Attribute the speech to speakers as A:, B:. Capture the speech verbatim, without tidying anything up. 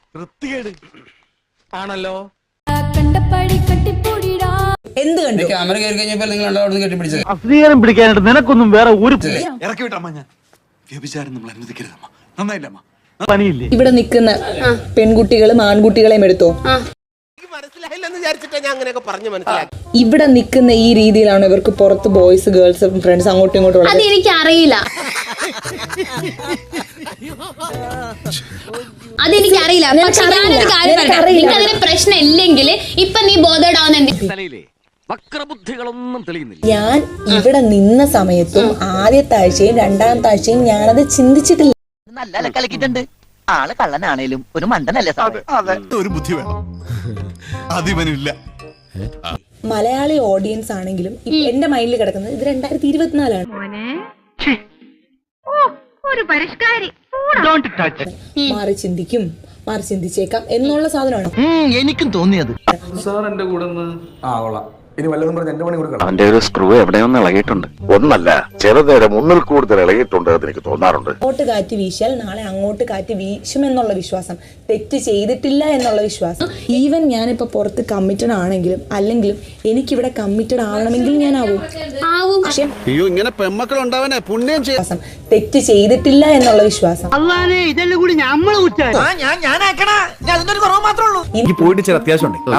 A: ആണല്ലോ.
B: എന്ത് കണ്ടു?
C: ക്യാമറ കയറി കഴിഞ്ഞപ്പോൾ നിങ്ങൾ രണ്ടാമത് കെട്ടിപ്പിടിച്ചത്
D: അസ്വീകാരം പിടിക്കാനായിട്ട് നിനക്കൊന്നും വേറെ ഒരു
E: ഇറക്കി വിട്ടമ്മ. ഞാൻ വ്യഭിചാരം നമ്മൾ അനുവദിക്കരുതമ്മ. നന്നായില്ലമ്മ.
D: പണിയില്ലേ?
B: ഇവിടെ നിൽക്കുന്ന പെൺകുട്ടികളും ആൺകുട്ടികളെയും എടുത്തോ. ഇവിടെ നിൽക്കുന്ന ഈ രീതിയിലാണ് ഇവർക്ക് പുറത്ത് ബോയ്സ് ഗേൾസ് ഫ്രണ്ട്സ് അങ്ങോട്ടും ഇങ്ങോട്ടും ഉള്ളത്.
F: അതെനിക്ക് അറിയില്ല അതെനിക്ക് അറിയില്ല പക്ഷെ ഞാനൊരു കാര്യം പറയാം. നിങ്ങൾക്ക് അതിന് പ്രശ്നം ഇല്ലെങ്കിൽ ഇപ്പൊ നീ ബോധേഡാവുന്ന
A: വക്രബുദ്ധികളൊന്നും തെളിയുന്നില്ല.
B: ഞാൻ ഇവിടെ നിന്ന സമയത്തും ആദ്യത്തെ ആഴ്ചയും രണ്ടാമത്തെ ആഴ്ചയും ഞാനത് ചിന്തിച്ചിട്ടില്ല.
G: നല്ല കളിക്കിട്ടുണ്ട്. ആള് കള്ളനാണേലും ഒരു മണ്ടനല്ലേ സാറേ?
E: ഒരു ബുദ്ധി വേണം, അതിവനില്ല.
B: മലയാളി ഓഡിയൻസ് ആണെങ്കിലും എന്റെ മൈൻഡിൽ കിടക്കുന്നത് ഇത് രണ്ടായിരത്തി ഇരുപത്തിനാലാണ്. മാറി ചിന്തിക്കും, മാറി ചിന്തിച്ചേക്കാം എന്നുള്ള സാധനമാണ്
G: എനിക്കും തോന്നിയത്.
C: സാർ എന്റെ കൂടെ ആ കൊള്ളാം. ഇനി വല്ലതും പറഞ്ഞ് എന്റെ പണി കൊടുക്കണം.
H: അവന്റെ ഒരു സ്ക്രൂ എവിടെയൊന്നും ഇളകിയിട്ടുണ്ട്. ഒന്നല്ല, ചെറുതേരം മുന്നിൽ കൂടുതൽ ഇളകിയിട്ടുണ്ട് എന്ന് എനിക്ക് തോന്നാറുണ്ട്.
B: അങ്ങോട്ട് കാറ്റ് വീശിയാൽ നാളെ അങ്ങോട്ട് കാറ്റ് വീശുമെന്നുള്ള വിശ്വാസം, തെറ്റ് ചെയ്തിട്ടില്ല എന്നുള്ള വിശ്വാസം. ഈവൻ ഞാനിപ്പോ പുറത്ത് കമ്മിറ്റഡ് ആണെങ്കിലും അല്ലെങ്കിലും എനിക്കിവിടെ കമ്മിറ്റഡ് ആവണമെങ്കിൽ ഞാൻ ആവും. പക്ഷെ
E: അയ്യോ, ഇങ്ങനെ പെമ്മക്കൾ ഉണ്ടാവാനേ പുണ്യം
B: വിശ്വാസം, തെറ്റ് ചെയ്തിട്ടില്ല എന്നുള്ള വിശ്വാസം.
D: ഇതെല്ലാം കൂടി നമ്മളെ
G: ഞാൻ ഞാനാക്കണ അതിനൊരു കുറവ് മാത്രമേ ഉള്ളൂ.
E: എനിക്ക് പോയിട്ട് ചില അത്യാവശ്യം ഉണ്ട്.